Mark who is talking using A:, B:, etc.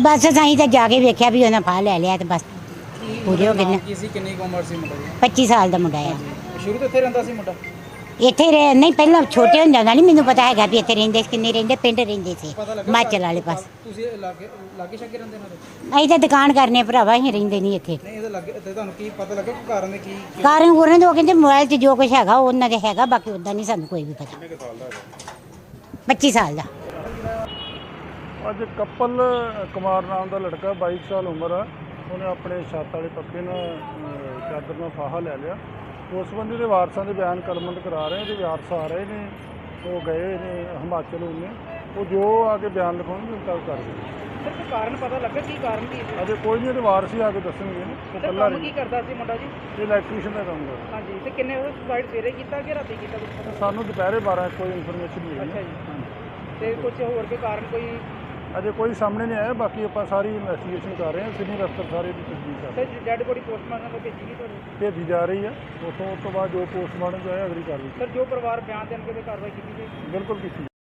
A: बस असीं तो जाके वेख्या भी उन्हें फाह लै लिया तो बस पूरे हो गए।
B: किन्नी उम्र सी मुंडा जी?
A: 25 साल का मुंडा है।
B: शुरू तो इत्थे रहिंदा सी मुंडा?
A: ਇੱਥੇ ਰਹਿ ਨਹੀਂ ਪਹਿਲਾਂ ਛੋਟੇ ਹੁੰਦਿਆਂ ਦਾ ਨਹੀਂ ਮੈਨੂੰ ਪਤਾ ਹੈਗਾ ਵੀ ਇੱਥੇ ਰਹਿੰਦੇ ਸੀ ਕਿੰਨੇ ਰਹਿੰਦੇ ਪਿੰਡ ਰਹਿੰਦੇ ਸੀ
B: ਪਤਾ ਲੱਗਾ
A: ਹਿਮਾਚਲ ਵਾਲੇ ਪਾਸ।
B: ਤੁਸੀਂ ਲਾਗੇ ਛਾਗੇ ਰਹਿੰਦੇ ਨਾਲ?
A: ਅਸੀਂ ਤਾਂ ਦੁਕਾਨ ਕਰਨੇ ਭਰਾਵਾ ਅਸੀਂ ਰਹਿੰਦੇ ਨਹੀਂ ਇੱਥੇ।
B: ਨਹੀਂ ਇਹਦੇ ਲੱਗੇ ਤੇ ਤੁਹਾਨੂੰ ਕੀ ਪਤਾ ਲੱਗਾ ਕਿ ਕਾਰਨ ਦੇ ਕੀ?
A: ਕਾਰਨ ਉਹਨਾਂ ਦੇ ਉਹ ਕਹਿੰਦੇ ਮੋਬਾਈਲ 'ਚ ਜੋ ਕੁਝ ਹੈਗਾ ਉਹ ਉਹਨਾਂ ਦੇ ਹੈਗਾ ਬਾਕੀ ਉੱਦਾਂ ਨਹੀਂ ਸਾਨੂੰ ਕੋਈ ਵੀ ਪਤਾ।
B: ਕਿੰਨੇ ਸਾਲ ਦਾ ਹੈਗਾ?
A: 25 ਸਾਲ ਦਾ।
C: ਅੱਜ ਕਪਲ ਕੁਮਾਰ ਨਾਮ ਦਾ ਲੜਕਾ 22 ਸਾਲ ਉਮਰ ਆ, ਉਹਨੇ ਆਪਣੇ ਛੱਤ ਵਾਲੇ ਪੱਕੇ ਨਾਲ ਚਾਦਰ ਨਾਲ ਫਾਹਾ ਲੈ ਲਿਆ। ਉਸ ਸੰਬੰਧੀ ਦੇ ਵਾਰਸਾਂ ਦੇ ਬਿਆਨ ਕਲਮਬੰਦ ਕਰਾ ਰਹੇ, ਉਹਦੇ ਵਾਰਸ ਆ ਰਹੇ ਨੇ, ਉਹ ਗਏ ਨੇ ਹਿਮਾਚਲ ਉਹਨੇ, ਉਹ ਜੋ ਆ ਕੇ ਬਿਆਨ ਲਿਖਾਉਣਗੇ ਉਹ ਕਰ ਕਰਦੇ।
B: ਸਰ ਕੋਈ ਕਾਰਨ ਪਤਾ ਲੱਗਾ ਕੀ ਕਾਰਨ ਕੀ ਹੈ?
C: ਅਜੇ ਕੋਈ ਨਹੀਂ, ਉਹਦੇ ਵਾਰਸ ਹੀ ਆ ਕੇ ਦੱਸਣਗੇ ਨਾ। ਉਹ
B: ਸਰ
C: ਇਕੱਲਾ
B: ਕੰਮ ਕੀ ਕਰਦਾ ਸੀ ਮੁੰਡਾ ਜੀ?
C: ਇਹ ਇਲੈਕਟ੍ਰੀਸ਼ੀਅਨ ਦਾ ਕੰਮ ਕਰਦਾ।
B: ਹਾਂਜੀ ਤੇ ਕਿੰਨੇ ਉਹ ਸੁਸਾਈਡ ਸਵੇਰੇ ਕੀਤਾ ਕਿ ਰਾਤੀ ਕੀਤਾ ਕੁਝ ਪਤਾ?
C: ਸਾਨੂੰ ਦੁਪਹਿਰੇ 12 ਕੋਈ ਇਨਫੋਰਮੇਸ਼ਨ ਮਿਲੀ
B: ਅੱਛਾ
C: ਹੈ।
B: ਜੀ। ਤੇ ਕੁਝ ਹੋਰ ਕੋਈ ਕਾਰਨ ਕੋਈ?
C: ਅਜੇ ਕੋਈ ਸਾਹਮਣੇ ਨਹੀਂ ਆਇਆ, ਬਾਕੀ ਆਪਾਂ ਸਾਰੀ ਇਨਵੈਸਟੀਗੇਸ਼ਨ ਕਰ ਰਹੇ ਹਾਂ। ਸੀਨੀਅਰ ਅਫਸਰ ਸਾਰੇ ਦੀ ਤਸਦੀਕ ਕਰ ਰਹੇ
B: ਸਰ ਡੈਡ ਬੋਡੀ ਪੋਸਟਮਾਰਟਮ ਤੋਂ ਭੇਜੀ ਗਈ ਤੁਹਾਨੂੰ?
C: ਭੇਜੀ ਜਾ ਰਹੀ ਹੈ। ਉਸ ਤੋਂ ਬਾਅਦ ਜੋ ਪੋਸਟਮਾਰਟਮ 'ਚ ਆਇਆ ਅਗਲੀ ਕਾਰਵਾਈ
B: ਸਰ ਜੋ ਪਰਿਵਾਰ ਬਿਆਨ ਦੇਣਗੇ ਤੇ ਕਾਰਵਾਈ ਕੀਤੀ ਜਾਏਗੀ?
C: ਬਿਲਕੁਲ ਕੀਤੀ